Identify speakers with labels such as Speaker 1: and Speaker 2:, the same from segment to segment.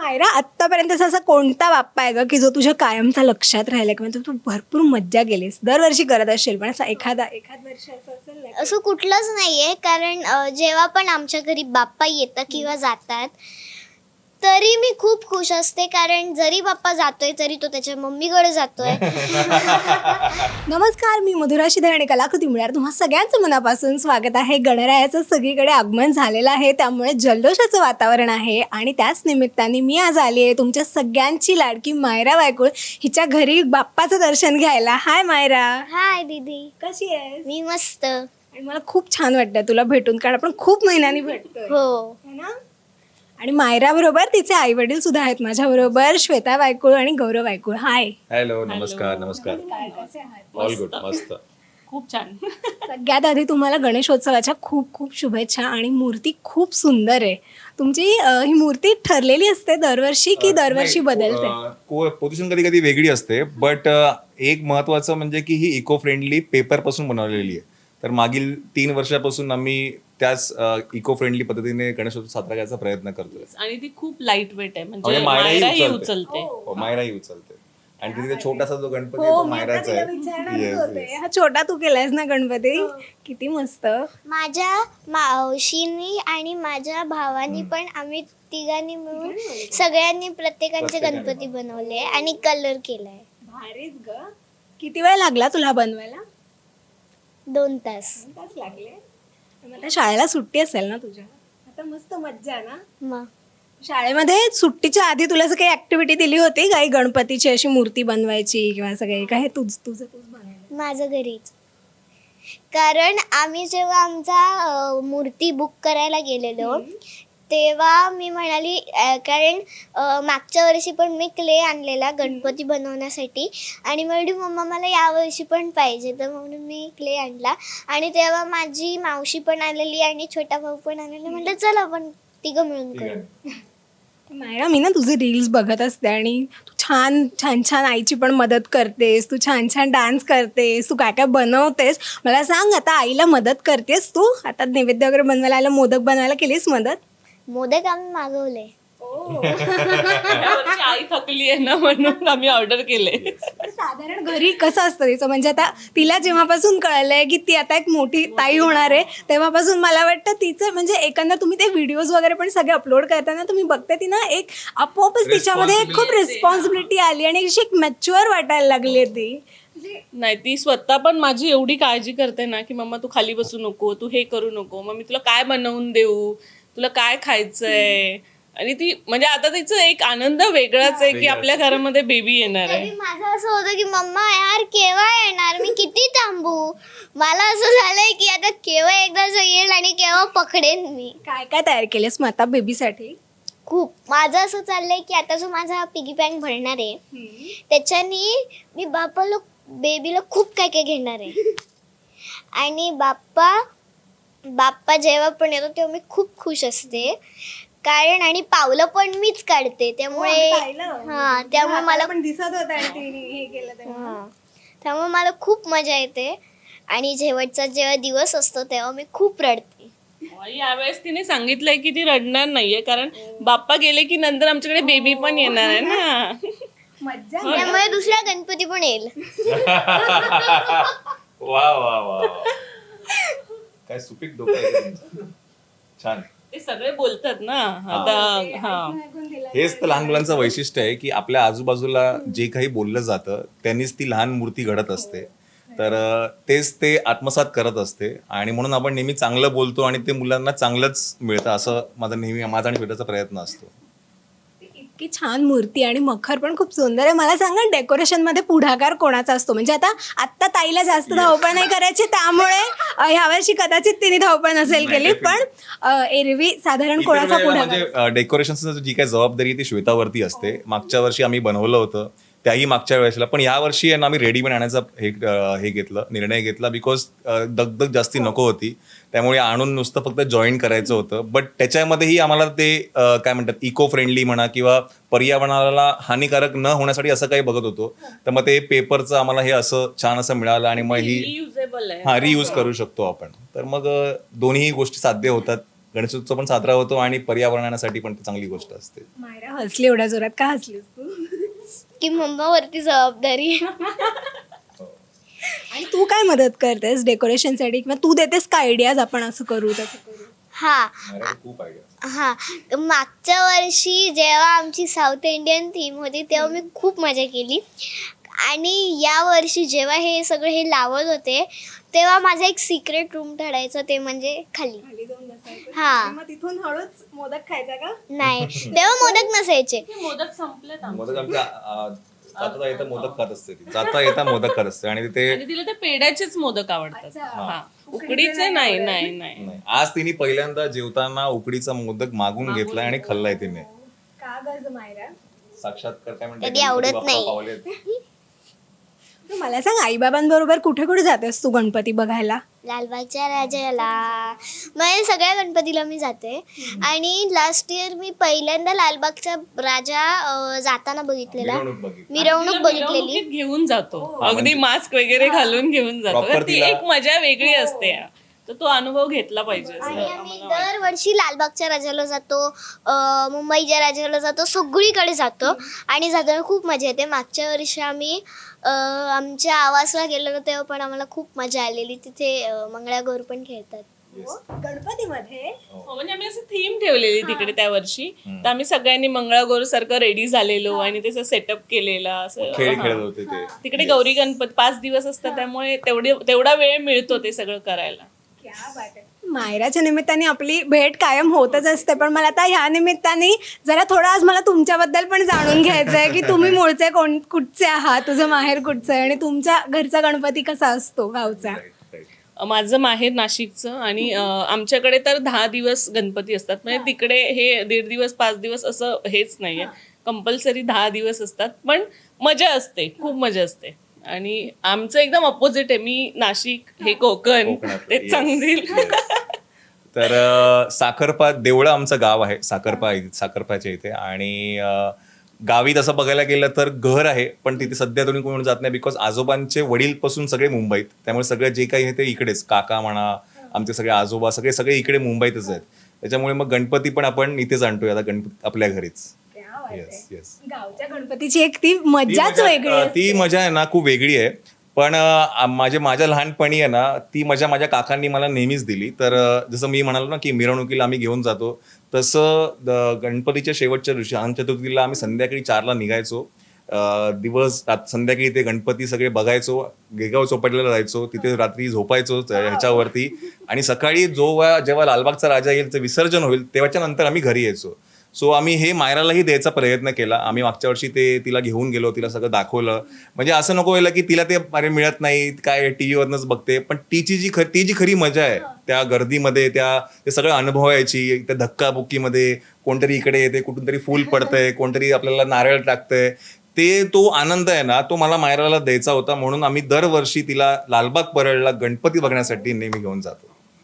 Speaker 1: मायरा, आत्तापर्यंतचा असा कोणता बाप्पा आहे ग की जो तुझ्या कायमचा लक्षात राहिला किंवा तू भरपूर मज्जा केलीस, दरवर्षी करत असशील, पण असा एखाद वर्ष असं असेल ना
Speaker 2: असं कुठलंच नाहीये, कारण जेव्हा पण आमच्या घरी बाप्पा येतं किंवा जातात तरी मी खूप खुश असते, कारण जरी बाप्पा जातोय तरी तो त्याच्या मम्मीकडे जातोय.
Speaker 1: नमस्कार, मी मधुरा शिधे आणि कलाकृती मिळणार तुम्हा सगळ्यांचं मनापासून स्वागत आहे. गणरायाचं सगळीकडे आगमन झालेलं आहे, त्यामुळे जल्लोषाचं वातावरण आहे आणि त्याच निमित्ताने मी आज आली आहे तुमच्या सगळ्यांची लाडकी मायरा वायकुळ हिच्या घरी बाप्पाचं दर्शन घ्यायला. हाय मायरा.
Speaker 2: हाय दीदी,
Speaker 1: कशी आहेस?
Speaker 2: मी मस्त.
Speaker 1: आणि मला खूप छान वाटतं तुला भेटून, कारण आपण खूप महिन्यांनी भेटतोय
Speaker 2: हो,
Speaker 1: है ना. आणि मायरा बरोबर तिचे आई वडील सुद्धा आहेत माझ्याबरोबर, श्वेता वायकुळ आणि गौरव वायकुळ. हाय.
Speaker 3: हॅलो, नमस्कार. ऑल गुड, मस्त.
Speaker 4: खूप छान.
Speaker 1: सगळ्यात आधी तुम्हाला गणेशोत्सवाच्या खूप खूप शुभेच्छा. आणि मूर्ती खूप सुंदर आहे तुमची. ही मूर्ती ठरलेली असते दरवर्षी की दरवर्षी बदलते?
Speaker 3: पोझिशन कधी कधी वेगळी असते, बट एक महत्वाचं म्हणजे की ही इको फ्रेंडली पेपर पासून बनवलेली आहे. तर मागील 3 वर्षापासून आम्ही त्याच इको फ्रेंडली पद्धतीने गणेशोत्सव साजरा करायचा प्रयत्न करतोय.
Speaker 4: आणि ती खूप लाईट वेट आहे, म्हणजे
Speaker 3: म्हणजे मायराही
Speaker 4: मायराही
Speaker 3: उचलते.
Speaker 4: उचलते.
Speaker 3: मायराही उचलते. आणि तिथे छोटासा जो गणपती आहे
Speaker 1: हो,
Speaker 3: तो
Speaker 1: मी आता
Speaker 3: मायराचा
Speaker 1: तिला
Speaker 3: आहे.
Speaker 1: विचारणारच
Speaker 3: Yes,
Speaker 1: होते.
Speaker 3: yes.
Speaker 1: हा छोटा तू केलायस ना गणपती, किती मस्त.
Speaker 2: माझ्या मावशीनी आणि माझ्या भावानी पण, आम्ही तिघांनी मिळून सगळ्यांनी प्रत्येकांचे गणपती बनवले आणि कलर केलाय.
Speaker 1: भारीच ग. किती वेळ लागला तुला बनवायला?
Speaker 2: 2 तास.
Speaker 1: तास लागले. मग आता शाळेला सुट्टी असेल ना तुझ्या, आता मस्त मज्जा आहे ना.
Speaker 2: मग
Speaker 1: शाळेमध्ये सुट्टीच्या आधी तुला असं काही ऍक्टिव्हिटी दिली होती काही, गणपतीची अशी मूर्ती बनवायची किंवा असं काही? काय तुझं बनवायला?
Speaker 2: माझं घरीच, कारण आम्ही जेव्हा आमचा मूर्ती बुक करायला गेलेलो तेव्हा मी म्हणाली, कारण मागच्या वर्षी पण मी क्ले आणलेला गणपती बनवण्यासाठी आणि म्हणाली मम्मा मला यावर्षी पण पाहिजे, तर म्हणून मी क्ले आणला. आणि तेव्हा माझी मावशी पण आलेली आणि छोटा भाऊ पण आलेला. म्हटलं चला आपण तिघं मिळून करू.
Speaker 1: मायरा, मी ना तुझे रील्स बघत असते आणि तू छान छान छान आईची पण मदत करतेस, तू छान छान डान्स करतेस, तू काय काय बनवतेस. मला सांग, आता आईला मदत करतेस तू? आता नैवेद्य वगैरे बनवायला आलं, मोदक बनवायला केलीस मदत?
Speaker 2: मोदक आम्ही मागवले.
Speaker 4: यावर्षी आई थकली आहे ना, म्हणून आम्ही ऑर्डर केले.
Speaker 1: साधारण घरी कसं असतं तिचं, म्हणजे आता तिला जेव्हापासून कळलंय की ती आता एक मोठी ताई होणार आहे, तेव्हापासून मला वाटतं तिचं म्हणजे एकंदर तुम्ही ते व्हिडिओज वगैरे पण सगळे अपलोड करताना तुम्ही बघते ती ना, एक आपोआपच तिच्यामध्ये खूप रिस्पॉन्सिबिलिटी आली आणि अशी एक मॅच्युअर वाटायला लागली ती.
Speaker 4: नाही, ती स्वतः पण माझी एवढी काळजी करते ना की मम्मा तू खाली बसू नको, तू हे करू नको, मग मी तुला काय बनवून देऊ, तुला काय खायचंय. आणि ती म्हणजे आता तिचं एक आनंद वेगळाच आहे की आपल्या घरामध्ये बेबी येणार आहे.
Speaker 2: तरी माझं असं होतं की मम्मा यार केव्हा येणार, मी किती थांबू. मला असं झालंय की आता केव्हा एकदा येईल आणि केव्हा पकडेन मी.
Speaker 1: काय काय तयार केलेस मग आता बेबीसाठी?
Speaker 2: खूप माझं असं चाललंय की आता जो माझा पिगी बँक भरणार आहे त्याच्यानी मी बेबीला खूप काय काय घेणार आहे. आणि बाप्पा जेव्हा पण येतो तेव्हा मी खूप खुश असते, कारण आणि पावलं पण मीच काढते, त्यामुळे त्यामुळे मला
Speaker 1: पण दिसत होतं हे केलं तेव्हा.
Speaker 2: त्यामुळे मला खूप मजा येते. आणि शेवटचा जेव्हा दिवस असतो तेव्हा मी खूप रडते.
Speaker 4: यावेळेस तिने सांगितलंय की ती रडणार नाहीये, कारण बाप्पा गेले की नंतर आमच्याकडे बेबी पण येणार आहे ना.
Speaker 1: मज्जा.
Speaker 2: त्यामुळे दुसरा गणपती पण येईल.
Speaker 3: वा वा वा, काय सुपीक डोकं आहे तुमचं. छान.
Speaker 4: ते सगळे बोलतात ना आता. हा,
Speaker 3: हेच तर लहान मुलांचं वैशिष्ट्य आहे की आपल्या आजूबाजूला जे काही बोललं जातं त्यांनीच ती लहान मूर्ती घडत असते. तर तेच ते आत्मसात करत असते आणि म्हणून आपण नेहमी चांगलं बोलतो आणि ते मुलांना चांगलंच मिळतं, असं माझा आणि श्वेताचा प्रयत्न असतो.
Speaker 1: इतकी छान मूर्ती आणि मखर पण खूप सुंदर आहे. मला सांगा, डेकोरेशन मध्ये पुढाकार कोणाचा असतो? म्हणजे आता ताईला जास्त धावपळ नाही करायची, त्यामुळे ह्यावर्षी कदाचित तिने धावपळ नसेल केली, पण एरवी साधारण कोणाचा पुढाकार?
Speaker 3: म्हणजे डेकोरेशनची जी काही जबाबदारी ती श्वेतावरती असते. मागच्या वर्षी आम्ही बनवलं होतं, त्याही मागच्या वेळेला, पण या वर्षी आम्ही रेडीमेड आणायचा निर्णय घेतला, बिकॉज दगदग जास्ती नको होती. त्यामुळे आणून नुसतं फक्त जॉईन करायचं होतं. बट त्याच्यामध्येही आम्हाला ते काय म्हणतात, इको फ्रेंडली म्हणा किंवा पर्यावरणाला हानिकारक न होण्यासाठी असं काही बघत होतो. तर मग ते पेपरचं आम्हाला हे असं छान असं मिळालं आणि मग ही
Speaker 4: रियुजेबल आहे.
Speaker 3: रियूज करू शकतो आपण. तर मग दोन्ही गोष्टी साध्य होतात. गणेशोत्सव पण साजरा होतो आणि पर्यावरणासाठी पण ती चांगली गोष्ट असते.
Speaker 1: मायरा हसली एवढ्या जोरात, का हसलीस तू?
Speaker 2: की मम्मावरती जबाबदारी.
Speaker 1: आणि तू काय मदत करतेस डेकोरेशनसाठी, किंवा तू देतेस का आयडियाज, आपण असं करू तसं करू?
Speaker 2: हा
Speaker 3: मला खूप आयडिया.
Speaker 2: हा मागच्या वर्षी जेव्हा आमची साऊथ इंडियन थीम होती तेव्हा मी खूप मजा केली. आणि या वर्षी जेव्हा हे सगळं हे लावत होते तेव्हा माझा एक सिक्रेट रूम ठरायचं, ते म्हणजे खाली.
Speaker 1: खाली जाऊन बसायचं
Speaker 2: हा.
Speaker 1: आणि मग तिथून हळूच मोदक खायचा का?
Speaker 2: नाही तेव्हा मोदक नसायचे.
Speaker 4: मोदक संपलेत आमचे.
Speaker 3: मोदक आमच्या जाता येता मोदक खात असते ती, जाता येता मोदक खात असते. आणि ते
Speaker 4: आणि तिला ते पेड्याचेच मोदक आवडतात.
Speaker 1: अच्छा.
Speaker 4: हा उकडीचे नाही नाही नाही.
Speaker 3: नाही, आज तिने पहिल्यांदा जेवताना उकडीचा मोदक मागून घेतलाय आणि खाल्लाय तिने.
Speaker 1: का गं मायरा?
Speaker 3: साक्षात्कार काय म्हणतात,
Speaker 2: कधी आवडत
Speaker 3: गणपती बाप्पा
Speaker 2: नाही.
Speaker 3: पावलेत.
Speaker 1: तू मला सांग, आईबाबांबरोबर कुठे कुठे जातेस तू गणपती बघायला?
Speaker 2: लालबागच्या राजाला म्हणजे सगळ्या गणपतीला मी जाते. आणि लास्ट इयर मी पहिल्यांदा लालबागचा राजा जाताना बघितलेला,
Speaker 3: मिरवणूक बघितली.
Speaker 2: मिरवणूक
Speaker 4: तिला
Speaker 2: बघितलेली.
Speaker 4: मिरवणुकीत घेऊन जातो,
Speaker 3: हा,
Speaker 4: अगदी
Speaker 3: म्हणजे-
Speaker 4: मास्क वगैरे घालून घेऊन जातो.
Speaker 3: Proper
Speaker 4: तर ती
Speaker 3: तिला-
Speaker 4: एक मजा वेगळी असते. तर तो अनुभव घेतला पाहिजे असं
Speaker 2: आणि आम्ही
Speaker 4: आम्हाला वाटतं.
Speaker 2: दरवर्षी लालबागच्या राजाला जातो, मुंबईच्या राजाला जातो, सगळीकडे जातो. आणि जाताना खूप मजा येते. मागच्या वर्षी आम्ही आमच्या आवासला गेलेलो तेव्हा पण आम्हाला खूप मजा आलेली. तिथे मंगळागौर पण खेळतात.
Speaker 1: गणपतीमध्ये
Speaker 4: हो, म्हणजे आम्ही असं थीम ठेवलेली तिकडे त्या वर्षी. तर आम्ही सगळ्यांनी मंगळागौर सारखं रेडी झालेलो आणि त्याचं सेटअप केलेला असं.
Speaker 3: खेळ
Speaker 4: हा.
Speaker 3: खेळत होते ते.
Speaker 4: तिकडे गौरी गणपती 5 दिवस असतात, त्यामुळे तेवढा वेळ मिळतो ते सगळं करायला.
Speaker 1: क्या बात आहे. मायराच्या निमित्ताने आपली भेट कायम होतच असते, पण मला आता ह्या निमित्ताने जरा थोडं आज मला तुमच्याबद्दल पण जाणून घ्यायचं आहे की तुम्ही मूळचे कुठचे आहात, तुझं माहेर कुठचं आहे, आणि तुमच्या घरचा गणपती कसा असतो गावचा?
Speaker 3: Right, right.
Speaker 4: माझं माहेर नाशिकचं आणि आमच्याकडे तर 10 दिवस गणपती असतात. म्हणजे तिकडे हे 1.5 दिवस 5 दिवस असं हेच नाहीये, कंपल्सरी 10 दिवस असतात. पण मजा असते, खूप मजा असते. आणि आमचं एकदम अपोजिट आहे. मी नाशिक, हे कोकण,
Speaker 3: कोकणात,
Speaker 4: ते
Speaker 3: yes,
Speaker 4: चांगदेल.
Speaker 3: तर साखरपा देवळं आमचं गाव आहे, साखरपाच्या इथे. आणि गावी तसं बघायला गेलं तर घर आहे, पण तिथे सध्या तुम्ही कोण जात नाही, बिकॉज आजोबांचे वडीलपासून सगळे मुंबईत. त्यामुळे सगळं जे काही आहे ते इकडेच, काका म्हणा, आमचे सगळे आजोबा सगळे इकडे मुंबईतच आहेत. त्याच्यामुळे मग गणपती पण आपण इथेच आणतोय आता, गणपती आपल्या घरीच. Yes yes.
Speaker 1: गावच्या गणपतीची एक ती मज्जाच वेगळी असते.
Speaker 3: ती मजा आहे ना खूप वेगळी आहे. पण माझ्या लहानपणी आहे ना ती मजा माझ्या काकांनी मला नेहमीच दिली. तर जसं मी म्हणालो ना की मिरवणुकीला आम्ही घेऊन जातो, तसं गणपतीच्या शेवटच्या दिवशी अनंत चतुर्थीला आम्ही संध्याकाळी 4ला निघायचो. संध्याकाळी ते गणपती सगळे बघायचो, गेगाव चौपाटीला जायचो, तिथे रात्री झोपायचो ह्याच्यावरती. आणि सकाळी जेव्हा लालबागचा राजा येईल, विसर्जन होईल, तेव्हाच्या नंतर आम्ही घरी यायचो. सो आम्ही हे मायरालाही द्यायचा प्रयत्न केला. आम्ही मागच्या वर्षी तिला घेऊन गेलो, तिला सगळं दाखवलं. म्हणजे असं नको व्हायला की तिला ते अरे मिळत नाही, काय टीव्हीवरनच बघते. पण ती जी खरी मजा आहे त्या गर्दीमध्ये, ते सगळं अनुभवायची, त्या धक्काबुक्कीमध्ये, कोणतरी इकडे येते, कुठून तरी फूल पडतंय, कोणतरी आपल्याला नारळ टाकतंय, तो आनंद आहे ना, तो मला मायराला द्यायचा होता. म्हणून आम्ही दरवर्षी तिला लालबाग परळला गणपती बघण्यासाठी नेहमी घेऊन जातो.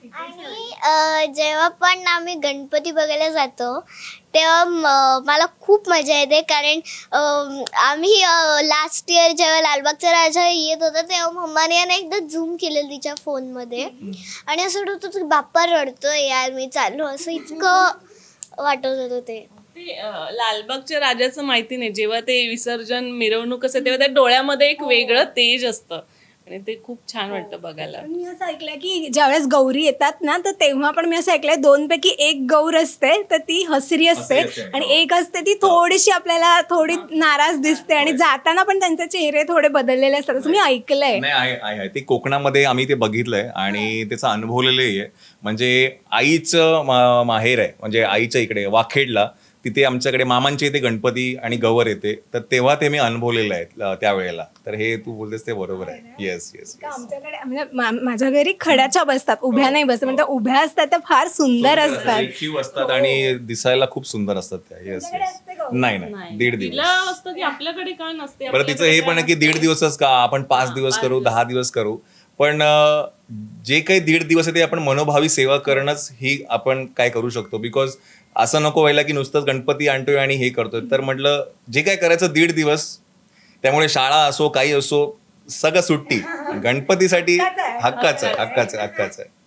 Speaker 2: आणि जेव्हा पण आम्ही गणपती बघायला जातो तेव्हा मला खूप मजा येते. कारण आम्ही लास्ट इयर जेव्हा लालबागचा राजा येत होता तेव्हा मम्माने ना एकदा झूम केलेलं तिच्या फोनमध्ये. आणि असं वाटत होतं बाप्पा रडतोय यार, मी चाललो, असं इतकं वाटत होतं ते.
Speaker 4: ते लालबागच्या राजाचं माहिती नाही, जेव्हा ते विसर्जन मिरवणूक असते तेव्हा त्या डोळ्यामध्ये एक वेगळं तेज असतं आणि ते खूप छान वाटतं बघायला.
Speaker 1: पण मी असं ऐकलंय की ज्यावेळेस गौरी येतात ना, तर तेव्हा पण मी असं ऐकलंय 2 पैकी 1 गौर असते तर ती हसरी असते, आणि एक असते ती थोडीशी आपल्याला थोडी नाराज दिसते, आणि जाताना पण त्यांचे चेहरे थोडे बदललेले असतात, असं मी ऐकलंय.
Speaker 3: नाही, आहे ते कोकणामध्ये आम्ही ते बघितलंय आणि त्याचं अनुभवलेलं आहे. म्हणजे आईचं माहेर आहे, म्हणजे आईच्या इकडे वाखेडला, तिथे आमच्याकडे मामांच्या इथे गणपती आणि गवर येते, तर तेव्हा ते मी अनुभवलेलं आहे त्यावेळेला. तर हे तू बोलतेस ते बरोबर आहे. Yes yes.
Speaker 1: आमच्याकडे म्हणजे माझ्या घरी खड्याच्या बसतात, उभ्या नाही बसतात, म्हणजे उभ्या असतात त्या फार सुंदर असतात.
Speaker 3: असतात आणि दिसायला खूप सुंदर असतात त्या. Yes yes. नाही 1.5 दिवस.
Speaker 4: तिला असतं की आपल्याकडे का नसते.
Speaker 3: बरं, तिचं हे पण आहे की 1.5 दिवसच का, आपण 5 दिवस करू, 10 दिवस करू. पण जे काही 1.5 दिवस आहे ते आपण मनोभावी सेवा करणंच ही आपण काय करू शकतो. बिकॉज असं नको व्हायला की नुसतंच गणपती आणतोय आणि हे करतोय. तर म्हटलं जे काय करायचं 1.5 दिवस, त्यामुळे शाळा असो काही असो सगळं सुट्टी, गणपतीसाठी हक्काचं आहे.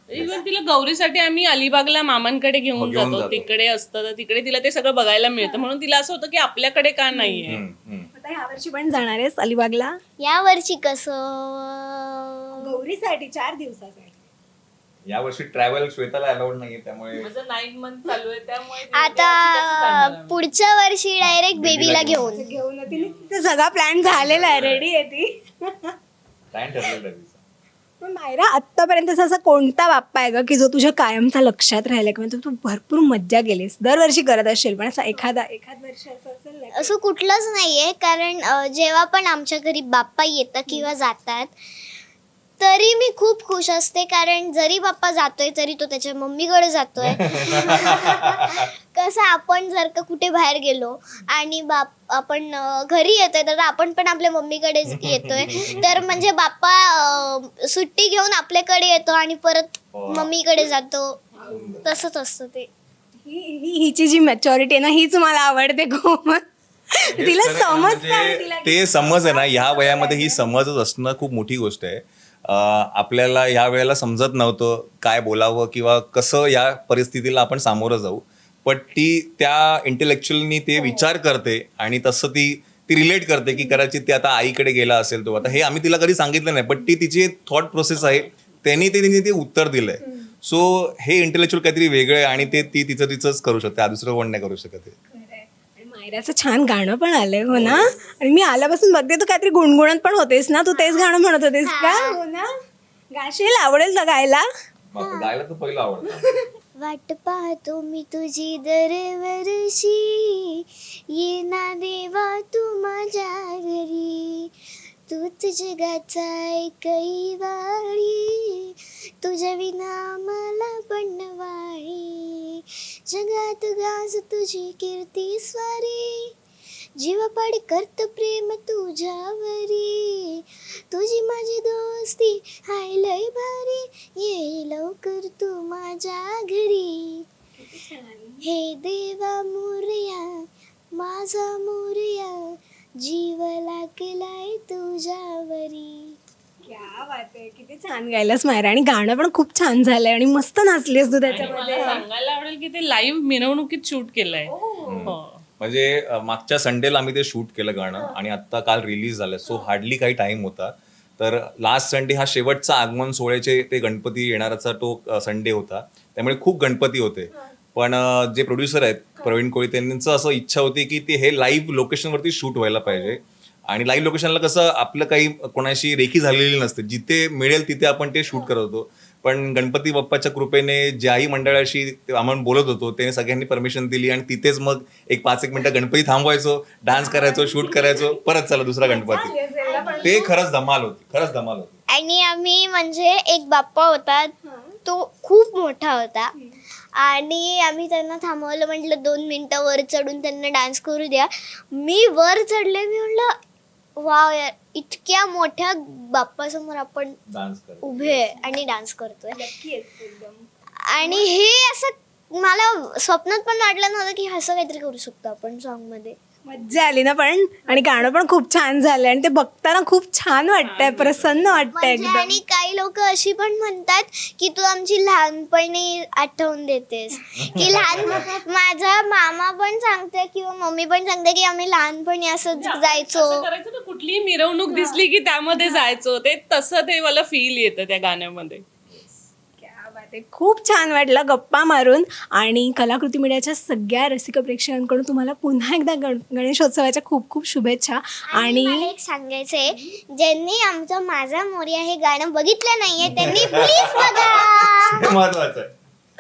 Speaker 4: इव्हन तिला गौरीसाठी आम्ही अलिबागला मामांकडे घेऊन
Speaker 3: घेऊन
Speaker 4: जातो.
Speaker 3: जातो.
Speaker 4: तिकडे असतं तर तिकडे तिला ते सगळं बघायला मिळतं, म्हणून तिला असं होतं की आपल्याकडे का नाहीये.
Speaker 1: आता यावर्षी पण जाणार आहेस अलिबागला
Speaker 2: या वर्षी कसं
Speaker 1: गौरीसाठी 4 दिवसासाठी.
Speaker 3: यावर्षी ट्रॅव्हल श्वेताला अलाउड नाहीये, त्यामुळे
Speaker 4: माझं 9 मंथ चालू आहे त्यामुळे तिला
Speaker 2: आता
Speaker 4: कसं जाणार आम्ही?
Speaker 2: पुढच्या वर्षी डायरेक्ट बेबीला घेऊन
Speaker 1: घेऊन तिने तिचा सगळा प्लॅन झालेला आहे, रेडी आहे ती.
Speaker 3: प्लॅन ठरलेला आहे तिचा.
Speaker 1: पण मायरा आत्तापर्यंत असा कोणता बाप्पा आहे ग की जो तुझ्या कायमचा लक्षात राहिला किंवा तू भरपूर मज्जा केलीस, दरवर्षी करत असशील, पण असा एखाद वर्ष असं असेल ना
Speaker 2: असं कुठलंच नाहीये. कारण जेव्हा पण आमच्या घरी बाप्पा येतं किंवा जातात तरी मी खूप खुश असते. कारण जरी बाप्पा जातोय तरी तो त्याच्या मम्मीकडे जातोय. कसं आपण जर का कुठे बाहेर गेलो आणि आपण घरी येतोय तर आपण पण आपल्या मम्मीकडे येतोय, तर म्हणजे बाप्पा सुट्टी घेऊन आपल्याकडे येतो आणि परत मम्मीकडे जातो. तसंच असतं ते.
Speaker 1: हिची जी मॅच्युरिटी आहे ना हीच मला आवडते खूप. तिला
Speaker 3: हेच खरं आहे,
Speaker 1: समजतं आणि
Speaker 3: म्हणजे
Speaker 1: तिला
Speaker 3: ते समज आहे ना, ह्या वयामध्ये ही समजच असणं खूप मोठी गोष्ट आहे. आपल्याला ह्या वेळेला समजत नव्हतं काय बोलावं किंवा कसं या परिस्थितीला आपण सामोरं जाऊ, पण ती त्या इंटेलेक्च्युअलनी ते विचार करते आणि तसं ती रिलेट करते की कदाचित ती आता आईकडे गेला असेल तो. आता हे आम्ही तिला कधी सांगितलं नाही, पण ती तिची थॉट प्रोसेस आहे, तिने ते उत्तर दिलंय. सो हे इंटेलेक्च्युअल काहीतरी वेगळं आहे आणि ते ती तिचंच करू शकते, दुसरं कोण नाही करू शकत आहे.
Speaker 1: आणि मायराचं छान गाणं पण आलंय हो ना. आणि मी आल्यापासून बघते तू काहीतरी गुणगुणत पण होतेस ना, तू तेच गाणं म्हणत होतेस का? हो ना, गाशील, आवडेल तर गायला.
Speaker 3: गायला तर पहिलं आवडतं.
Speaker 2: वाट पाहतो मी तुझी दरवर्षी, ये ना देवा तू माझ्या घरी, तूच जगाचा एकही वाळी, तुझ्या विना मला बनवाळी, जगात गाज तुझी कीर्ती स्वारी, जीवापाड करत प्रेम तुझ्यावरी, तुझी माझी दोस्ती हाय लय भारी, ये लवकर तू माझ्या घरी, हे देवा मोरया माझा मोरया, जीव लागलाय तुझ्यावरी.
Speaker 1: क्या बात आहे, किती छान गायलास मायरा. आणि गाणं पण खूप छान झालंय आणि मस्त नाचलीस तू
Speaker 4: आणि
Speaker 1: त्याच्यामध्ये.
Speaker 4: मला सांगायला आवडेल की ते लाईव्ह मिरवणुकीत शूट केलंय. हो.
Speaker 3: म्हणजे मागच्या संडेला आम्ही ते शूट केलं गाणं आणि आता काल रिलीज झालं. सो हार्डली काही टाइम होता. तर लास्ट संडे हा शेवटचा आगमन सोहळ्याचे ते गणपती येणाराचा तो संडे होता, त्यामुळे खूप गणपती होते. पण जे प्रोड्युसर आहेत प्रवीण कोळी, त्यांचं असं इच्छा होती की ते हे लाईव्ह लोकेशनवरती शूट व्हायला पाहिजे. आणि लाईव्ह लोकेशनला कसं आपलं काही कोणाशी रेखी झालेली नसते, जिथे मिळेल तिथे आपण ते शूट करत होतो. पण गणपती बाप्पाच्या कृपेने ज्याही मंडळाशी आपण बोलत होतो त्याने सगळ्यांनी परमिशन दिली आणि तिथेच मग 5-1 मिनिटं गणपती थांबवायचो, डान्स करायचो, शूट करायचो, परत चला दुसरा गणपती. ते खरंच धमाल होती.
Speaker 2: आणि आम्ही म्हणजे एक बाप्पा होता, तो खूप मोठा होता आणि आम्ही त्यांना थांबवलं, म्हटलं 2 मिनिटं वर चढून त्यांना डान्स करू द्या. मी वर चढले, मी म्हटलं वाव यार, इतक्या मोठ्या बाप्पासमोर आपण
Speaker 3: डान्स
Speaker 2: उभे आणि डान्स करतोय. आणि हे असं मला स्वप्नात पण वाटलं नव्हतं की असं काहीतरी करू शकतो आपण सॉन्ग मध्ये.
Speaker 1: मज्जा आली ना पण. आणि गाणं पण खूप छान झालंय आणि ते बघताना खूप छान वाटतंय, प्रसन्न वाटतंय
Speaker 2: म्हणजे
Speaker 1: एकदम.
Speaker 2: आणि काही लोक अशी पण म्हणतात की तू आमची लहानपणी आठवून देतेस, की माझा मामा पण सांगते किंवा मम्मी पण सांगते की आम्ही लहानपणी असं जायचो.
Speaker 4: असं करायचं ना, कुठलीही मिरवणूक दिसली की त्यामध्ये जायचो, ते तसं ते मला फील येतं त्या गाण्यामध्ये.
Speaker 1: क्या बात आहे. खूप छान वाटलं गप्पा मारून. आणि कलाकृती मीडियाच्या सगळ्या रसिक प्रेक्षकांकडून तुम्हाला पुन्हा एकदा गणेशोत्सवाच्या खूप खूप शुभेच्छा.
Speaker 2: आणि मला एक सांगायचंय, ज्यांनी आमचं माझा मोरया हे गाणं बघितलं नाहीये त्यांनी प्लीज बघा.
Speaker 3: महत्वाचं आहे.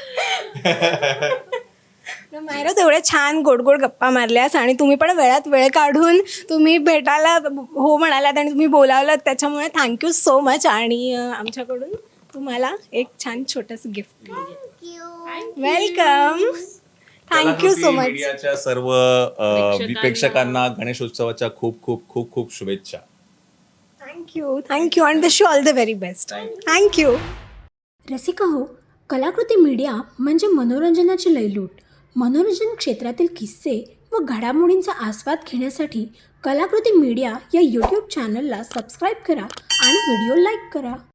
Speaker 1: मायरा, तेवढ्या छान गोड गोड गप्पा मारल्यास आणि तुम्ही पण वेळात वेळ काढून तुम्ही भेटायला हो म्हणालात आणि तुम्ही बोलावलात, त्याच्यामुळे थँक्यू सो मच. आणि आमच्याकडून तुम्हाला एक छान छोटंसं gift. Welcome. Thank you so much.
Speaker 3: मीडियाच्या सर्व प्रेक्षकांना गणेशोत्सवाच्या खूप खूप खूप खूप शुभेच्छा.
Speaker 1: थँक्यू आणि wish you all the very best. Thank you.
Speaker 5: Rasika हो, कलाकृती मीडिया म्हणजे मनोरंजनाची लयलूट. मनोरंजन क्षेत्रातील किस्से व घडामोडींचा आस्वाद घेण्यासाठी कलाकृती मीडिया या यूट्यूब चॅनलला सबस्क्राईब करा आणि व्हिडिओ लाईक करा.